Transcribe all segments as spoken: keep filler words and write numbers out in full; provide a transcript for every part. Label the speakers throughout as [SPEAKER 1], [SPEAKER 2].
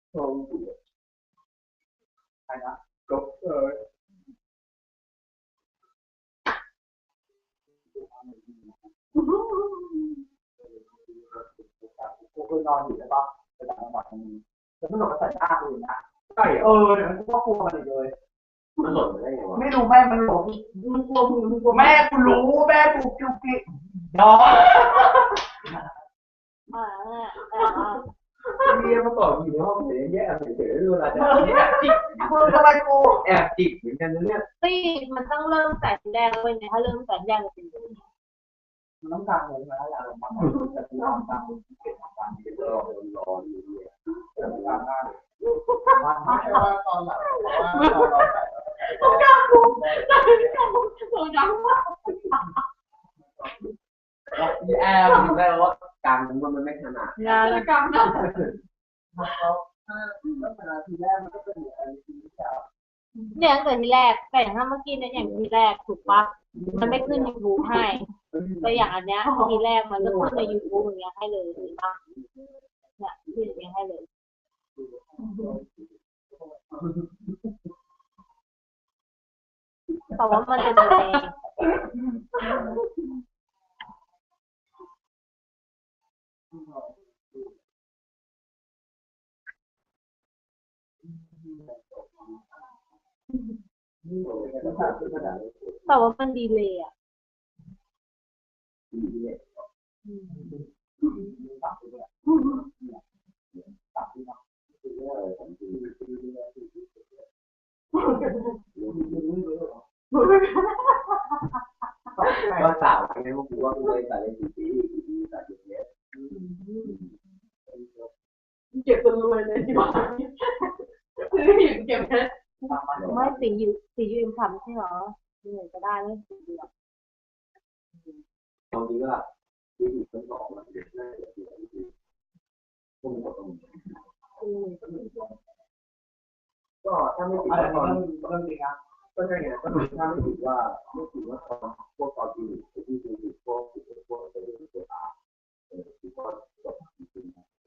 [SPEAKER 1] โอ้โหใครนะก็เออกูเคยนอนอยู่ใช่ปะไปต่างจังหวัดนึงแล้วมันหลบใส่หน้ากูอย่างเงี้ยใช่เออเดี๋ยวมันก็กลัวมันอีกเลย
[SPEAKER 2] มันหล่นได้ไงวะ
[SPEAKER 1] ไม่รู้แม่มันหลบมันกลัวมึงมันกลัวแม่กูรู้แม่กูกิ้วกิ้วนอน
[SPEAKER 3] อ่าอ่าอ่า
[SPEAKER 2] เมียมาก่อนอยู่ในห้องเฉยแย่เฉยๆเวลาจะแอบจิก
[SPEAKER 1] มึงทำไมกู
[SPEAKER 2] แอบจิกเหมือนกันนะเนี่ย
[SPEAKER 3] ตี้มันต้องเริ่มแสงแดงเลยเนี่ยถ้าเริ่มแสงแดงจะเป็นยังไง
[SPEAKER 1] มันต้องการเลยนะอยากลงมาแต่กูทำตามเก็บตามที่
[SPEAKER 2] รอรออยู่เนี่ย
[SPEAKER 1] ทำตามหน้าไม่ใช่ว่าตอนหลังว่าตอนเราใส่
[SPEAKER 3] ต้องการกูต้องการกูต้องการ
[SPEAKER 2] พี่แอมถึงได้ว่ากลางมันมันไม่ขนาด
[SPEAKER 3] งานกรรมนะ
[SPEAKER 1] เขาถ้าลักษณะทีแรกมันก็เป็นอะไรที่จะ
[SPEAKER 3] เนี่ยตั้งแต่ทีแรกแต่อย่างถ้าเมื่อกี้เนี่ยอย่างทีแรกถูกปะมันไม่ขึ้นยูทูบให้แต่อย่างอันเนี้ยทีแรกมันก็ขึ้นในยูทูบอย่างเงี้ยให้เลยถูกปะเนี่ยขึ้นอย่างเงี้ยให้เลยแต่ว่ามันจะดีเลยแต่ว่ามันดีเลยอ่ะ
[SPEAKER 2] ก็สาวไงพวกกูว่ากูเลยใส่เลยสี่ปีสี่ปีใส่เยอะ
[SPEAKER 3] เก็บจนรวยเลยที่บ้านซื้อหินเก็บเพชรไม่สียูสียูอิมทำใช่หรอเหนื่อยก็ได้ไม่สีเดียว
[SPEAKER 2] ตอนนี้ว่าที่ถูกต้องบอกมันเด็กน่าจะเสียที่พวกมันก็ต้องก็ถ้าไม่ติดตอน
[SPEAKER 1] เรื่องจริงนะ
[SPEAKER 2] ก็ใช่ไงก็ถือถ้าไม่ถือว่าไม่ถือว่าตอนพวกตอนที่ที่ที่พวกพวกเป็นพวกอาเออที่ก็จบจริง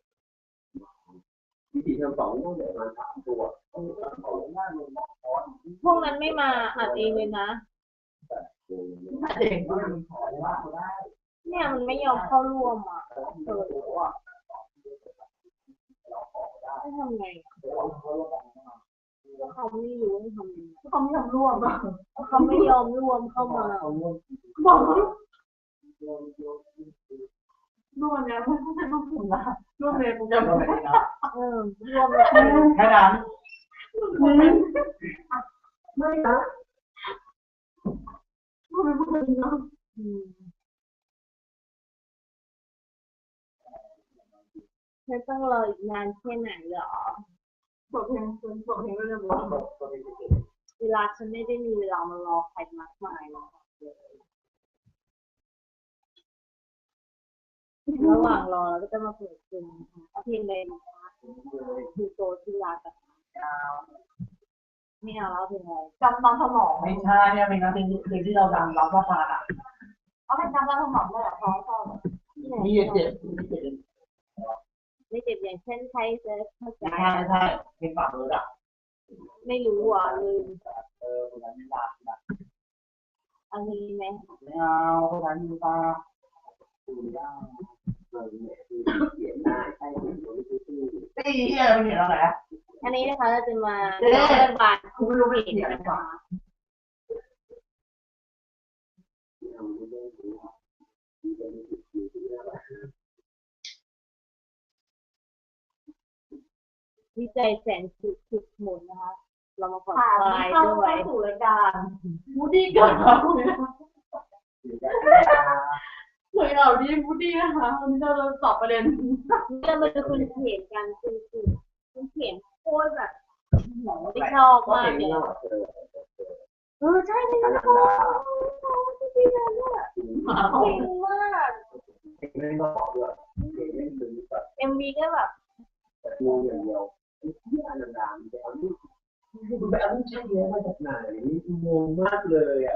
[SPEAKER 2] ๆที่สี่เทอมสองต้องเด็กมาสามตัวเออสองหน้าลงมอคอน
[SPEAKER 3] พวกนั้นไม่มาอัดเองเลยนะ
[SPEAKER 1] เองก็มันขอว่าเขาได้
[SPEAKER 3] เนี่ยมันไม่ยอมเข้าร่วมอ่ะเออว่ะให้ทำไงเขาไม่รู้ให้ทำยังไง
[SPEAKER 1] เขาไม่ทำร่วมอ่ะ
[SPEAKER 3] เขาไม่ยอมร่วมเข้ามา
[SPEAKER 1] บอกร่วมเนี่ยไม่ใช่ร่วมกลุ่มนะร่วมเลยกูจะไม่ได้นะ
[SPEAKER 3] เออร่วมเลย
[SPEAKER 1] แค่นั้นไม่นะร่วมเป็นผู้หญิงนะ
[SPEAKER 3] เธอต้องรออีกนานแค่ไหนเหรอ
[SPEAKER 1] บอกเพลงบอกเพลงก็จะบอก
[SPEAKER 3] เวลาฉันไม่ได้มีเวลามารอใครมากมายหรอกระหว่างรอเราก็จะมาเปิดเพลงเอาเพลงเลยนะคะคือโตที่รักอะไม่เอาแล้วเพลงอะไร
[SPEAKER 1] จำตอนสมองไม่ใช่เนี่ยเป็นเพลงเพลงที่เราดังเราก็ฟังอ่ะเอาเป็นจำตอนสมองเลยเหรอพอชอบมีเจ็บเจ็บมีเจ็บ
[SPEAKER 3] ไม่เจ็บอย่างเช่นใครจะเข้าใจ
[SPEAKER 1] ใช่ใช่เพลงฝั่งเลยอ่ะ
[SPEAKER 3] ไม่รู้อ่ะลืม
[SPEAKER 1] เออคนนั้นไม่รักนะ
[SPEAKER 3] อันนี้ไหม
[SPEAKER 1] ไม่เอาคนนั้นมีตา
[SPEAKER 2] ดูได้เลยเนี่ยคือเขียนหน้าใช่เห็นตัวที่ชื่อ
[SPEAKER 1] ตีเฮียมันเห็นอะไรอ่ะ
[SPEAKER 3] อันนี้นะคะเราจะมาเรื่องบาน
[SPEAKER 1] คุณไม่รู้ไม่เขียนนะคะ
[SPEAKER 3] วิจัยแสนสุดสุดหมุนนะคะเรามาผ่อนคลายด้วย
[SPEAKER 1] สู่รายการมูดี้กันเราเหมือนเราดีมูดี้นะคะวันนี้เราตอบประเด็น
[SPEAKER 3] เรามาดูคุณเขียนกันคุณคุณเขียนโคตรแบบไม่ชอบมากเลยเออใช่ไม่ชอบจริงๆเนี่ยจริงมาก
[SPEAKER 2] ไม่บอกด้วย
[SPEAKER 3] เอ็มวีก็แบบ
[SPEAKER 2] งงอย่างเดียวที่อันดับดังแต่อันนี้คุณไปเอาลูกชิ้นเยอะมาจากไหนงงมากเลยอ่ะ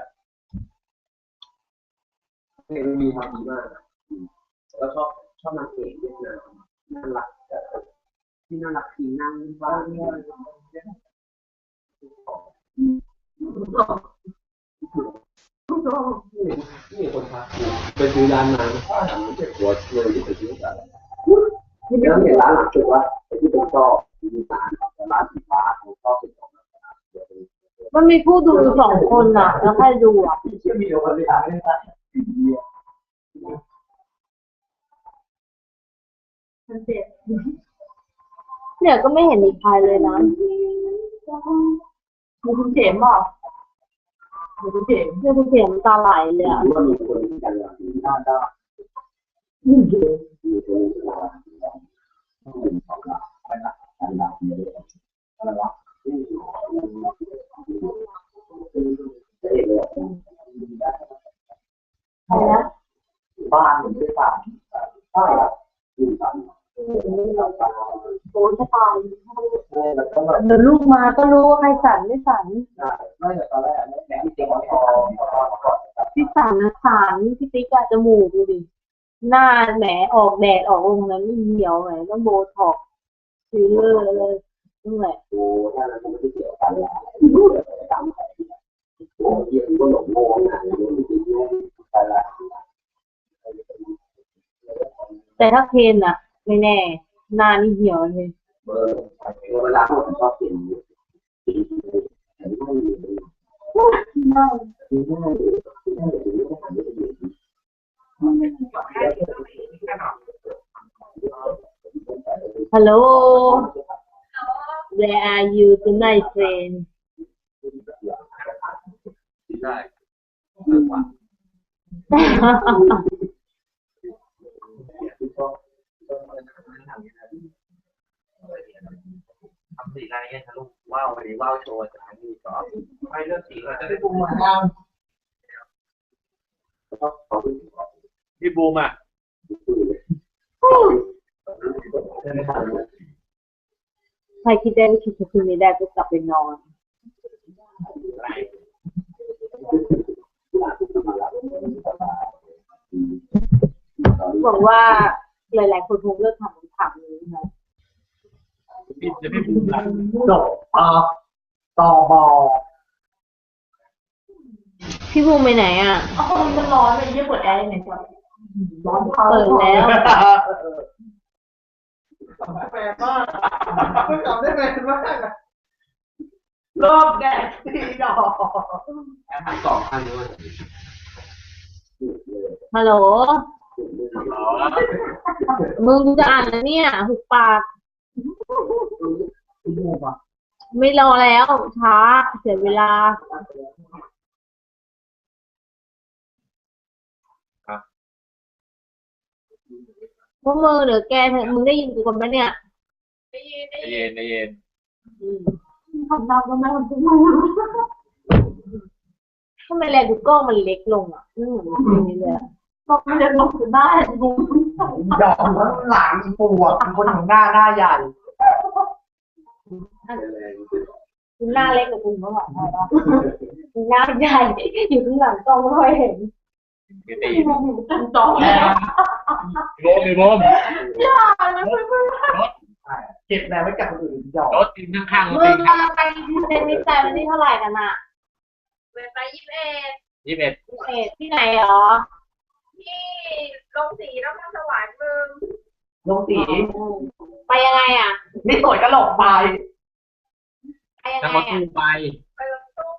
[SPEAKER 2] เพลงมีความดีมากแล้วชอบชอบนางเอกเวียดนามน่ารักที่น่ารักทีนั่งบ้านนี่นี่คนทักไปซื้อร้านมาไม่ใช่หัวเงินที่ไปซื้อกันแล้วเห็นร้านหลังสุดว่าไอ้ที่เป็นก็มีร้านร้านสีฟ้าของก็เป็นของ
[SPEAKER 3] มันมีผู้ดูสองคนอ่ะ แล้วใครดูอ่ะ
[SPEAKER 2] ที่มีคนที่ทำให้ได้
[SPEAKER 3] เนี่ยก็ไม่เห็นมีใครเลยนะ
[SPEAKER 1] มีคุณเข็มอ่ะมีคุณเข็ม
[SPEAKER 3] เนี่ยคุณเสียงตาไหลเลยอ่ะ
[SPEAKER 2] ว่ามีคนที่จะมีหน้าด้านมีคนที่จะมีสองหลักไปหลักอันหลักเยอะอะไรวะจะเอกเลย
[SPEAKER 3] ใครนะ
[SPEAKER 2] บ้านมันไม่ต่างใช่อยู่ต่าง
[SPEAKER 3] โอ้จะตาย
[SPEAKER 2] แล้วก็แบบ
[SPEAKER 3] เดี๋ยวลูกมาก็รู้ว่าใครสั่นไม่สั่น
[SPEAKER 2] ไม่แต่ตอนแรกแม่ที่จริงมันพอก่อน
[SPEAKER 3] ที่สั่นนะสั่นพี่ติ๊กอะจมูกดูดิหน้าแหมออกแดดออกองนั้นไม่เหี่ยวแหมต้องโบท็อกซ์ฟิลเลอร์เลยนั่นแหละ
[SPEAKER 2] โอ้ถ้าเราไม่ได้เกี่ยวกันละตามไปโอ้ยก็หลงโง่นะโดนจริงแน่ไปละ
[SPEAKER 3] แต่ถ้าเคนอะไม่แน่หน้านี่เหี่ยวเลย
[SPEAKER 2] เออเวลาผมชอบเปลี่ยนสีแต่ไม่มี
[SPEAKER 3] น่า
[SPEAKER 2] ไม่ได้ไม่ได้
[SPEAKER 3] ฮัลโหล Where are you tonight friend
[SPEAKER 2] ได้มากกว่าทำสีอะไรเงี้ยทะลุว้าววันนี้ว้าวโชว์จากนี้ก็ไม่เลือกสีเราจะได้ปูมาแล้วพี่บูมอ่ะ
[SPEAKER 3] ใครคิดได้ก็คิดคืนนี้ได้ก็กลับไปนอนหวังว่าหลายๆคนคงเลิกทำคำถามนี้นะ
[SPEAKER 2] พี่จะพี่บูมอ่ะจบอ่ะต่อบอ
[SPEAKER 3] พี่บูมไปไหนอ่ะ
[SPEAKER 1] เอาคนมันร้อนเลยยิ่งเปิดแอร์ยังไงก่อนร้อนเขา
[SPEAKER 3] เปิดแล้ว
[SPEAKER 2] แปลมากไม่จำได้แปลมาก
[SPEAKER 1] รอบแดดสีดอก
[SPEAKER 2] ทั้งสองข้างด้วย
[SPEAKER 3] ฮัลโหล มึงกูจะอ่านนะเนี่ยหุบปาก
[SPEAKER 2] พี่บูมอ่ะ
[SPEAKER 3] ไม่รอแล้วช้าเสียเวลาพวกมึงเดี๋ยวแกเถอะมึงได้ยินกูกันไหมเนี่ย
[SPEAKER 4] ได้ยินได้ยินได้ยิน
[SPEAKER 3] อืม
[SPEAKER 1] ทำดาวก็ไม่ทำทุกวัน
[SPEAKER 3] ทำไมแลดูกล้องมันเล็กลงอ่ะไม่เหมือนจริงเลยอะ
[SPEAKER 1] ก็ไม่ได้ลงถึงได้บู
[SPEAKER 2] ดอกแล้วหลังปวดคนของหน้าหน้าใหญ่
[SPEAKER 3] คุณหน้าเล็กกว่าคุณเมื่อวานใช่ปะคุณหน้าใหญ่อยู่ข้างหลังกล้องไม่ค่อยเห็น
[SPEAKER 4] ไม่ตี
[SPEAKER 1] ที่มองเห็นตั้งจอแล้ว
[SPEAKER 4] โบมเลยโบม
[SPEAKER 1] อย่านะเพื่อน
[SPEAKER 2] เก็บแรงไว้กับคนอื่นดอก
[SPEAKER 4] รถตีนข้างๆรถ
[SPEAKER 3] มึ
[SPEAKER 4] ตี
[SPEAKER 3] ง
[SPEAKER 4] น
[SPEAKER 3] กำลังไปเซนมิสไซวันที่เท่าไหร่กันอ่ะ
[SPEAKER 4] เวลาไปยี่สิบเอ็ดยี่สิบเอ็ด
[SPEAKER 3] เอ็ดที่ไหนหรอ
[SPEAKER 4] ที่ลงสีน้ำมันสวรรค์มึง
[SPEAKER 2] ลงสี
[SPEAKER 3] ไปยังไงอ่ะ
[SPEAKER 2] นี่สวยกระหลกไป
[SPEAKER 3] ไปยัง
[SPEAKER 4] นั่ง
[SPEAKER 3] ไง
[SPEAKER 4] รถ
[SPEAKER 3] อ่ะ
[SPEAKER 4] ตู้ไป
[SPEAKER 1] ไปรถตู้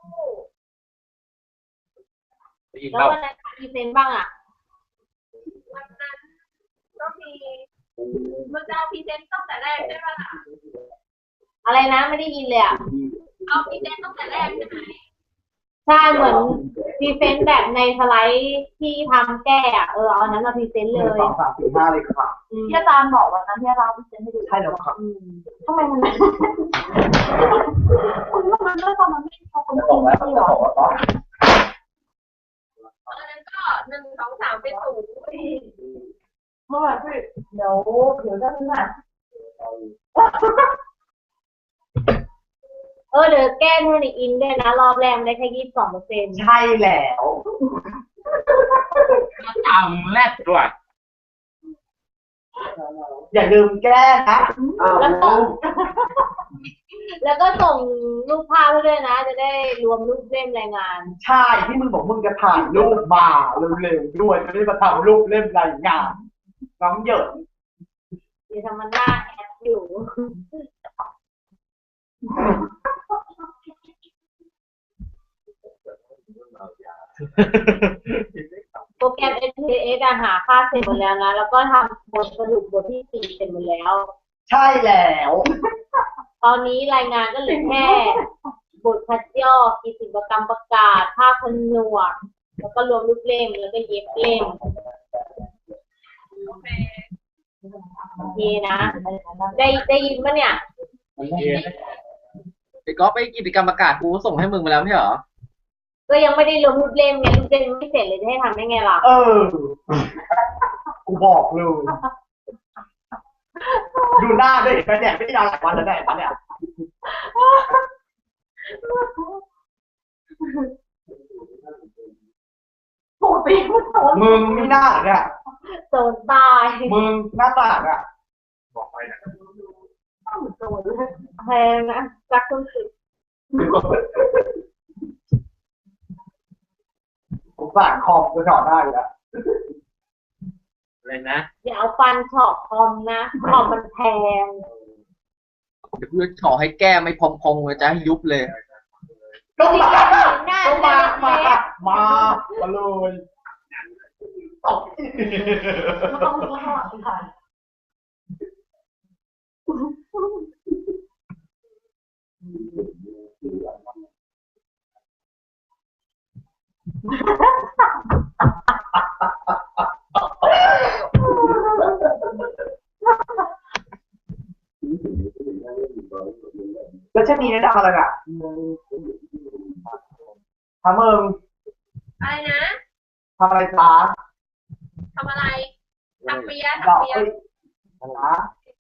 [SPEAKER 4] ได้ยิน
[SPEAKER 3] แล้
[SPEAKER 4] เป
[SPEAKER 3] ว
[SPEAKER 4] ล่า
[SPEAKER 3] วันนั้นมีเซนบ้างอ่ะ
[SPEAKER 1] วันนั้นก็มีมึงจะเอาพรีเซนต์ตั้งแต่แรกใช่ไหมล่ะ
[SPEAKER 3] อะไรนะไม่ได้ยินเลยอ่ะ
[SPEAKER 1] เอาพรีเซนต์ตั้งแต่แรกใช่ไหม
[SPEAKER 3] ใช่เหมือนพรีเซนต์แบบในสไลด์ที่ทำแก้อ่ะเออเอาอันนั้นมาพรีเซนต์เลย
[SPEAKER 2] สองสามสี่ห้าเลยค่ะ
[SPEAKER 3] อืม
[SPEAKER 1] ที่อาจารย์บอกวันนั้นที่เราพรีเซนต์ให้ดู
[SPEAKER 2] ใช่แล้วค่ะ
[SPEAKER 3] อืม
[SPEAKER 1] ทำไมมันคุณว่ามันไม่ทำมันไม่พอคน
[SPEAKER 2] จะ
[SPEAKER 1] จ
[SPEAKER 2] บ
[SPEAKER 1] ริ
[SPEAKER 2] อก
[SPEAKER 1] ง
[SPEAKER 2] แล้ว
[SPEAKER 1] ไม่
[SPEAKER 2] จะ
[SPEAKER 1] หรอ
[SPEAKER 2] บอกว่าต่อ
[SPEAKER 1] ตอนนั้นก็หนึ่งสองสามเป็นศูนย์เมื่อวานพี่เดี๋ยวเดี๋ยวจะหนัก
[SPEAKER 3] เออเดี๋ยวแก้ให้ในอินด้วยนะรอบแรกมันได้แค่ยี่สิบสองเปอร์เซ็นต์
[SPEAKER 2] ใช่แล้ว
[SPEAKER 4] จำแรดด้วย
[SPEAKER 1] อย่าลืมแก้นะ
[SPEAKER 2] อ้าว
[SPEAKER 3] แล้วก็แล้วก็ส่งรูปภาพให้ด้วยนะ จะได้รวมรูปเล่มรายงาน
[SPEAKER 1] ใช่ที่มึงบอกมึงจะถ่ายรูปมาเร็วๆด้วยจะได้มาทำรูปเล่มรายงานน้องเหยิน
[SPEAKER 3] เดี๋ยวทำมันหน้าแอปอยู่ โปรแกรม เอส พี เอส อะหาค่าเสร็จหมดแล้วนะ แล้วก็ทำบทสรุปบทที่สี่เสร็จหมดแล้ว
[SPEAKER 1] ใช่แล้ว
[SPEAKER 3] ตอนนี้รายงานก็เหลือแค่บทคัดย่อกิจกรรมประกาศ ภาพผนวก แล้วก็รวมรูปเล่ม แล้วก็เย็บเล่ม
[SPEAKER 4] โอเค
[SPEAKER 3] โอเคนะ ได้ได้ยินปะเนี่ย
[SPEAKER 5] ไอ้ก๊อฟไอ้กิจกรรมประกาศกูก็ส่งให้มึงมาแล้วไม่ใช่เหรอ
[SPEAKER 3] ก็ยังไม่ได้รวมรูปเล่มไงรูปเล่มไม่เสร็จเลยจะให้ทำได้ไงล่ะ
[SPEAKER 1] เออกูบอกเลยดูหน้าด้วยเห็นไหมเนี่ยไม่ได้นอนหลายวันแล้วเนี่ยเนี่ยปกติมึงไม่น่าเนี่ย
[SPEAKER 3] โซนตาย
[SPEAKER 1] มึงหน้าตางอ่ะ
[SPEAKER 3] แพงนะรักคุณสิ
[SPEAKER 1] ผมสั่งคอมจะจอดได้แล้ว
[SPEAKER 5] อะไรนะ
[SPEAKER 3] อย่าเอาฟันเฉาะคอมนะคอมมันแพง
[SPEAKER 5] เดี๋ยวกูจะขอให้แก้ไม่พองๆเลยจะให้ยุบเลย
[SPEAKER 1] ก็มา
[SPEAKER 3] หน้า
[SPEAKER 1] ก็มา
[SPEAKER 3] จะ
[SPEAKER 1] มา
[SPEAKER 3] เล็ก
[SPEAKER 1] มา มาเลยตบ
[SPEAKER 3] ไม่ต้องไม่ต้องค่ะ
[SPEAKER 1] แล้วชนีแนะนำอะไรอ่ะทำมึง
[SPEAKER 4] อะไรนะ
[SPEAKER 1] ทำอะไรจ้า
[SPEAKER 4] ทำอะไรทำเปีย
[SPEAKER 1] ดอ
[SPEAKER 4] ทำ
[SPEAKER 1] ก
[SPEAKER 4] เปีย
[SPEAKER 1] เอ้ยอะไรนะ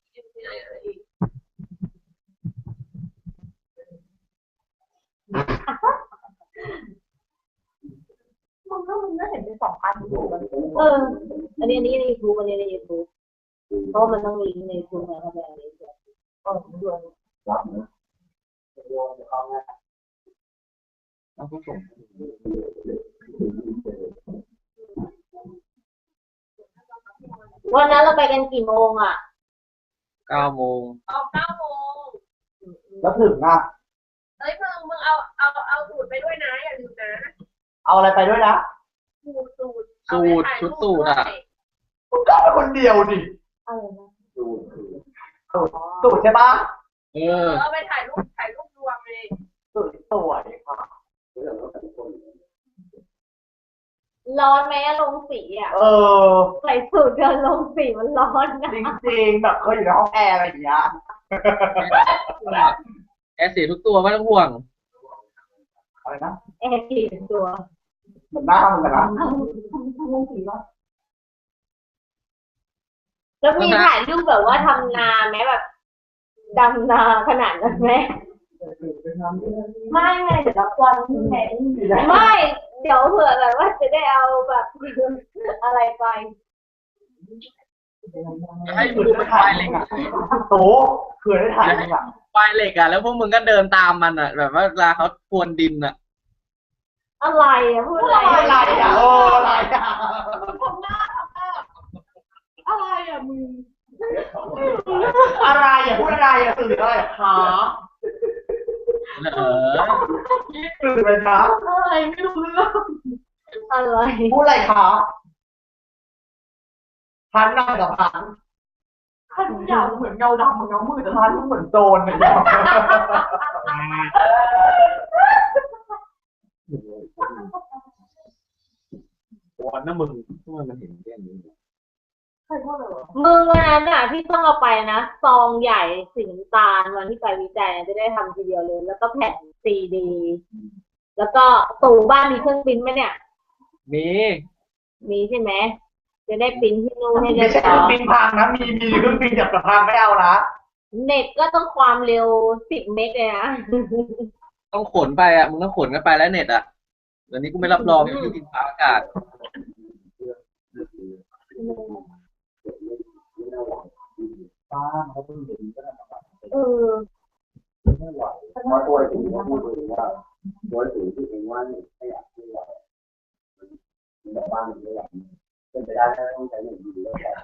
[SPEAKER 3] มึงก็มึงก็เห็นเป็นสองอันอยู่เออ อันนี้อันนี้ในยูทูบอันนี้ในยูทูบเพราะมันต้องลิงก์ในยูทูบนะเข้าไปอันนี้ก็ด้วย
[SPEAKER 2] รับนะ
[SPEAKER 5] เอาก็ส่ง
[SPEAKER 3] วันนั้นเราไปกันกี่โมงอ่ะ
[SPEAKER 5] เก้าโมง
[SPEAKER 4] ออกเก้าโมง
[SPEAKER 1] แล้วถึงอ่ะ
[SPEAKER 4] เอ้ยมึงมึงเอาเอาเอาสูตรไปด้วยนะอย่าลืมนะ
[SPEAKER 1] เอาอะไรไปด้วยนะ
[SPEAKER 4] สูตรสูตร
[SPEAKER 5] สูตรชุดสูตรอ่ะ
[SPEAKER 1] มึงก็เป็นคนเดียวดิ
[SPEAKER 3] อะไรนะ
[SPEAKER 2] ดู
[SPEAKER 1] สูตรสูตรใช่ปะ
[SPEAKER 5] เอ
[SPEAKER 4] เอ
[SPEAKER 5] อ
[SPEAKER 4] อเอาไปถ่ายรูปถ่ายรูปรวมเลย
[SPEAKER 1] สูตรสวยค่ะ
[SPEAKER 2] เรื่องของแต่ละคน
[SPEAKER 3] ร้อนไหมอะลงสีอ่ะ
[SPEAKER 1] เออ
[SPEAKER 3] ใส่สูทเดินลงสีมันร้อนนะ
[SPEAKER 1] จริงๆแบบเคยอยู่ในห้องแอร์อะไรอย่างเงี้ย
[SPEAKER 5] แอร์เสียทุกตัวไม่ต้องห่วง
[SPEAKER 1] อะไรนะ
[SPEAKER 3] แอร์กี่ตัว
[SPEAKER 1] เหมือนหน้ามึงอะนะ
[SPEAKER 3] ลงสีวะแล้วมีถ่ายรูปแบบว่าทำนาไหมแบบดำนาขนาดนั้นไหมไม่ไงเดี๋ยวรับวันแทนไม่เดี๋ยวเผื่อแบบว่าจะได้เอาแบบ อะไรไป
[SPEAKER 5] ให้มึงดูเป็นไฟเหล็กอะ
[SPEAKER 1] โตเคยได้ถ่ายมึงอะ
[SPEAKER 5] ไฟเหล็กอ่ะแล้วพวกมึงก็เดินตามมันอ่ะ แบบว่าเวลาเขาพรวนดินอ่ะ
[SPEAKER 3] อะไรอะพูดอะไร
[SPEAKER 1] อะไรอะเอออะไรอะ
[SPEAKER 3] ทำหน้าทำหน้าอะไรอะมึง
[SPEAKER 1] อะไรอะพูดอะไรอะสื่ออะไรอะคะ
[SPEAKER 5] เออ
[SPEAKER 1] สื่ออะไรคะ
[SPEAKER 3] อะไรไม่รู้เรื่องอะไร
[SPEAKER 1] พูดอะไรคะพันหน้ากับพันพันอย่างเหมือนเงาดำเหมือนเงามืดแต่พันเหมือนโจรเลย
[SPEAKER 5] วันนั้นมึงทำไมมันเห็นแค่นี้
[SPEAKER 3] มึงวันนั้นอะที่ต้องเอาไปนะซองใหญ่สีน้ำตาลวันที่ไปวิจัยจะได้ทำทีเดียวเลย แล้วก็แผ่นซีดี แล้วก็ตู่บ้านมีเครื่องปริ้นท์ไหมเนี่ย
[SPEAKER 5] มี
[SPEAKER 3] มีใช่ไหมจะได้ปริ้นที่นู่นให้เรี
[SPEAKER 1] ไม่
[SPEAKER 3] ยบ
[SPEAKER 1] ใช่เค
[SPEAKER 3] ร้
[SPEAKER 1] รื่
[SPEAKER 3] อ
[SPEAKER 1] อง
[SPEAKER 3] ย
[SPEAKER 1] บินพังนะมีมีเครื่องบินจับพังไม่เอานะ
[SPEAKER 3] เน็ตก็ต้องความเร็วสิบเมกเลยนะ
[SPEAKER 5] ต้องขนไปอ่ะมึงต้องขนกันไปแล้วเน็ตอ่ะเดี๋ยวนี้กูไม่รับรองที่ดินฟ้าอากาศ
[SPEAKER 2] ไป้าเขาเพิ่งเห็นก็ได้
[SPEAKER 3] เออ
[SPEAKER 2] ไม่ไหวเพราะตัวไอ้ถึงเขาพูดถึงว่าตัวไอ้ถึงที่เองว่าเนี่ยไม่อยากที่เรามันแบบว่ามันไม่อยากเป็นไปได้ถ้าต้องใช้หนึ่งดีแล้วแต่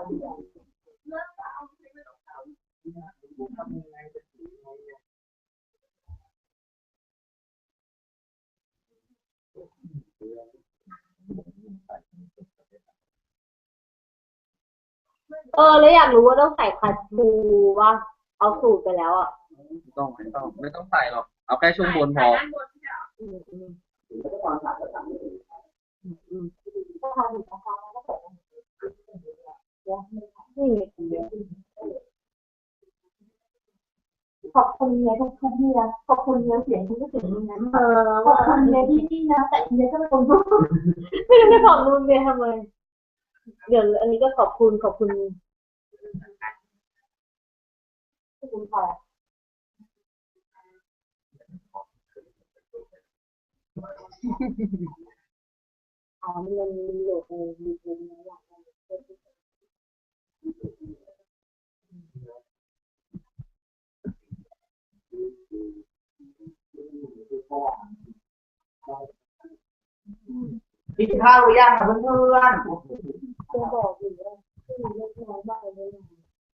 [SPEAKER 3] เออแล้วอยากรู้ว่าต้องใส่คัชชูว่าเอาสูตรไปแล้วอ่ะ
[SPEAKER 5] ไม่ต้องไม่ต้องไม่ต้องใส่หรอกเอาแค่ช่วงบนพอ
[SPEAKER 4] ด้านบนที่แบบ
[SPEAKER 3] อืมอืม
[SPEAKER 2] ถึงจะความสะอาดก็ทำไม่ดี
[SPEAKER 3] อืม
[SPEAKER 1] ก็ทำอยู่นะคะแล้วก็เปิด
[SPEAKER 3] นี่
[SPEAKER 1] ขอบคุณเนี่ยทุกทุกเนียขอบคุณเนี่ยเสียงคุณก็เสียงนี้นะ
[SPEAKER 3] เออ
[SPEAKER 1] ขอบคุณเนี่ยที่นี่นะแต่เนี่ยก็ไม่ตรงด้วย
[SPEAKER 3] ไม่รู้จะขอบคุณเบียร์ทำไมเดี๋ยวอันนี้ก็ขอบคุณขอบคุณ
[SPEAKER 1] ขอบคุณค่ะ
[SPEAKER 3] อ๋อมันมันโหลดในมีเงินนะอยากได้
[SPEAKER 1] กินข้าวหรือยังเพื่อน
[SPEAKER 3] จะบอกอยู่ว่าที่มีเล็กน้อยบ้างเลยนะ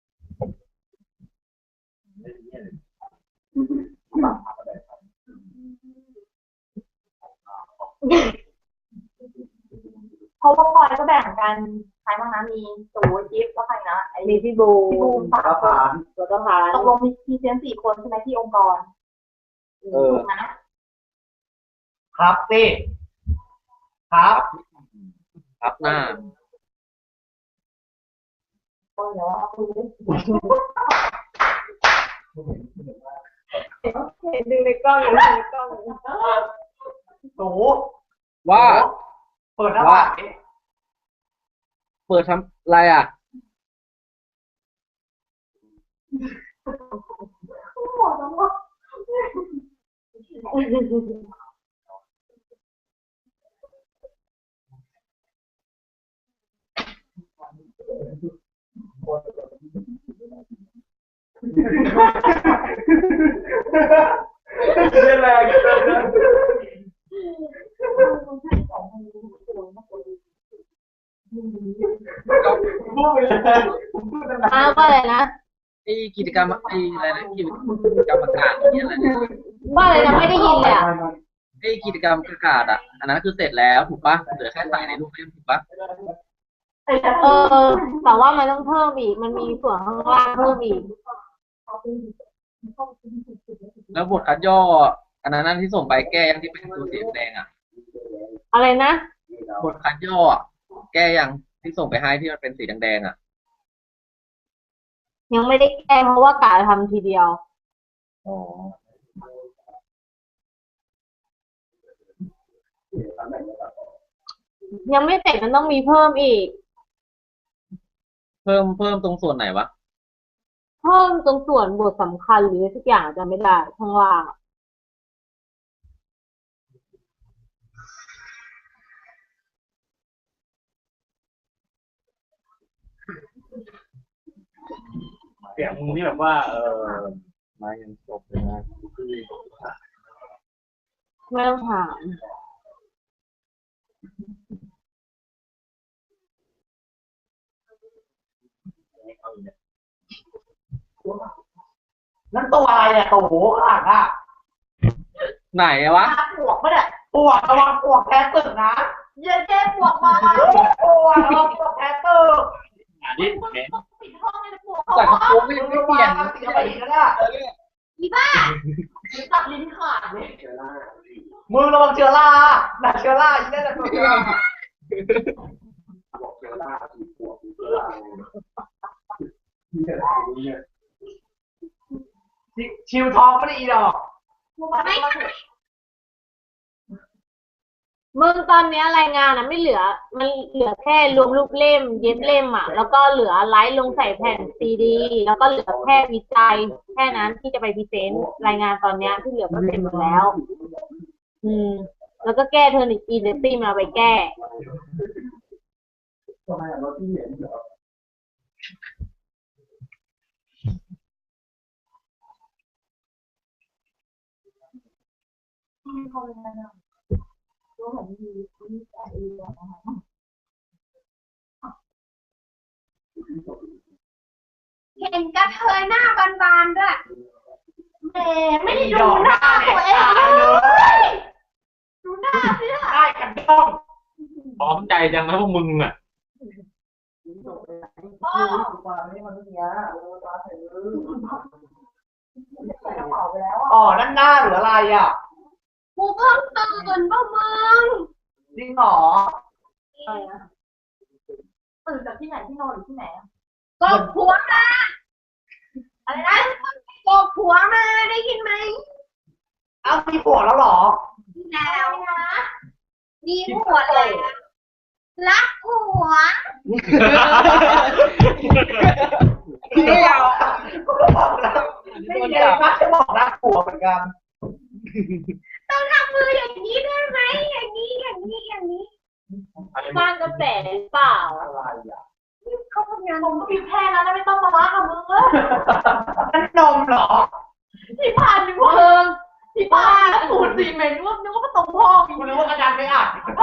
[SPEAKER 1] เพราะว่าพลอยก็แบ่งกันใครบ้างนะมีตูจิ๊บแล้วใครนะไอ้
[SPEAKER 3] มีพี่บู
[SPEAKER 1] พี่บูมสาม
[SPEAKER 2] ก็
[SPEAKER 1] ค
[SPEAKER 2] ผ่าน น
[SPEAKER 3] แล้วก็พาน
[SPEAKER 1] ตกลงมีมีเซนสี่คนใช่ไหมที่องค์กร
[SPEAKER 5] เออ
[SPEAKER 1] ถูกนะครับสิครับ
[SPEAKER 5] ครับหน้า
[SPEAKER 1] ก็เดี๋ยวเอาคุยด้วย
[SPEAKER 3] เห็นดูในกล้องอยู่ในกล้อง
[SPEAKER 1] ตู
[SPEAKER 5] ว่า
[SPEAKER 1] เปิดหน้าบ้าน
[SPEAKER 5] เปิดทำอะไรอ่ะ
[SPEAKER 1] หมดแล้วว่า
[SPEAKER 2] เรื่องอะไร
[SPEAKER 1] พูดไปเลยผมพูดตั้งนาน
[SPEAKER 3] อ้าวว่าอะไรนะ
[SPEAKER 5] ไอ้กิจกรรมไอ้อะไรนะกิจกรรมประกาศอย่างเงี้ยอะไรเนี่ย
[SPEAKER 3] ว่าอะไรนะไม่ได้ยินเลยอ่ะ
[SPEAKER 5] ไอ้กิจกรรมประกาศอ่ะอันนั้นคือเสร็จแล้วถูกปะเหลือแค่ใส่ในรูปเล่มถูกปะ
[SPEAKER 3] เออแต่ว่ามันต้องเพิ่มอีกมันมีส่วนข้างล่างเพิ่มอีก
[SPEAKER 5] แล้วบทคัดย่ออันนั้นนั่นที่ส่งไปแก้ยังที่เป็นตัวสีแดงอ่ะ
[SPEAKER 3] อะไรนะ
[SPEAKER 5] บทคัดย่ออะแก้ยังที่ส่งไปให้ที่มันเป็นสีแดงๆอ่ะ
[SPEAKER 3] ยังไม่ได้แก้เพราะว่ากะทำทีเดียว
[SPEAKER 5] อ๋อ
[SPEAKER 3] ยังไม่เสร็จมันต้องมีเพิ่มอีก
[SPEAKER 5] เพิ่มเพิ่มตรงส่วนไหนวะ
[SPEAKER 3] เพิ่มตรงส่วนบทสำคัญหรือทุกอย่างจะไม่ได้ข้างล่าง
[SPEAKER 2] เสียงมึงนี่แบบว่าเออ
[SPEAKER 5] มายังจบเลยนะ
[SPEAKER 3] ไม่ต้องถาม
[SPEAKER 1] นั่นตัวอะไรเนี่ยตัวโหข้างหลังอ่ะ
[SPEAKER 5] ไหนอะวะ
[SPEAKER 1] ปวกปะเนี่ยปวกระวังปวกแพ้ตึกนะเย้เย้ปวกมาปวกระวังปวกแพ้ตึก
[SPEAKER 2] อันนี้เห็น
[SPEAKER 1] ปิดห้องเลยนะปวก
[SPEAKER 5] แต่กระโปรงไม่ไม่เปลี่ยน
[SPEAKER 1] เสียไปอีกแล้วเนี่ย
[SPEAKER 3] อีบ้า
[SPEAKER 1] ตัดลิ้นขาดเลยมือระวังเชื้อราหนักเชื้อราอีกแล้วนะตัวเชื้อรา
[SPEAKER 2] บอกเจอหน้าผีปวดผีเจอหน้าเนี่ย
[SPEAKER 1] ชิวทองไม่ได้อีดอก
[SPEAKER 3] มึงตอนเนี้ยรายงานอ่ะไม่เหลือ มันเหลือแค่รวมรูปเล่ม เย็บเล่มอ่ะ แล้วก็เหลือไลฟ์ลงใส่แผ่นซีดี แล้วก็เหลือแค่วิจัย แค่นั้นที่จะไปพรีเซนต์รายงานตอนเนี้ยที่เหลือก็เสร็จหมดแล้ว อืม แล้วก็แก้เทอร์นิคอีเดตี้มาไปแก้
[SPEAKER 2] ทำไมเราที่เห็นเหรอ
[SPEAKER 1] มีคนเลยนะดูเหมือนมีมีแต่อีกนะคะ
[SPEAKER 3] เห็นกระเทยหน้าบานๆด้วยแหมไม่ได้ดูหน้าตัวเองเลยดูหน้าสิล่ะ
[SPEAKER 6] ได้กันต้องพร้อมใจจังนะพวกมึงอ่ะ
[SPEAKER 1] พ่อมาไม่มาเมื่อกี้โอ้ตาถือใส่กระเป๋าไปแล้วอ่ะ
[SPEAKER 6] อ๋อนั่นหน้าหรืออะไรอ่ะ
[SPEAKER 3] กูเพิ่งตื่นป่ะมึง
[SPEAKER 6] จริงเหรอ
[SPEAKER 1] อะไรนะตื่นจากที่ไหนที่นอนหรือที่ไหนอ่ะ
[SPEAKER 3] กบผัวมาอะไรนะกบผัวมาได้ยินไหม
[SPEAKER 6] เอามีผัวแล้วเหรอ
[SPEAKER 3] แล้วนะมีผัวแล้วรักผัว
[SPEAKER 6] ไม่เอาไม่มีอะไรมากจะบอกรักผัวเหมือนกัน
[SPEAKER 3] ต้องทำมืออย่างนี้ได้ไหมอย่างนี้อย่างนี้อย่างนี้
[SPEAKER 1] สร้างกระแสหรือเปล่า
[SPEAKER 6] อะไรอ่ะ
[SPEAKER 3] เขาทำงาน
[SPEAKER 1] ผมก็มีแค่นั้นนะไม่ต้องมาว่ากับมึงเลย
[SPEAKER 6] นั่นนมเหรอ
[SPEAKER 1] ที่ผ่านนึกว่าเออที่ผ่านแล้วสูตรซีเมนต์ว่านึกว่าประตูห้อง
[SPEAKER 6] กูนึกว่ากระดานไม่อัด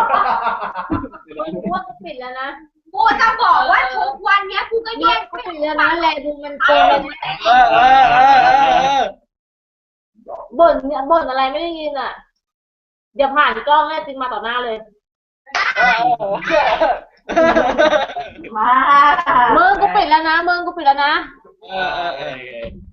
[SPEAKER 3] กูว่ากูปิดแล้วนะกูจะบอกว่าทุกวันเนี้ยกูก็แยกกูปิดแล้วนะแลดูมันโกง
[SPEAKER 5] เออเออเออเออเออ
[SPEAKER 1] บ่นเนี่ยบ่นอะไรไม่ได้ยินอ่ะเดี๋ยวผ่านกล้องให้จริงมาต่อหน้าเลย มามึงกูปิดแล้วนะมึงกูปิดแล้วนะ
[SPEAKER 5] เออเออเออ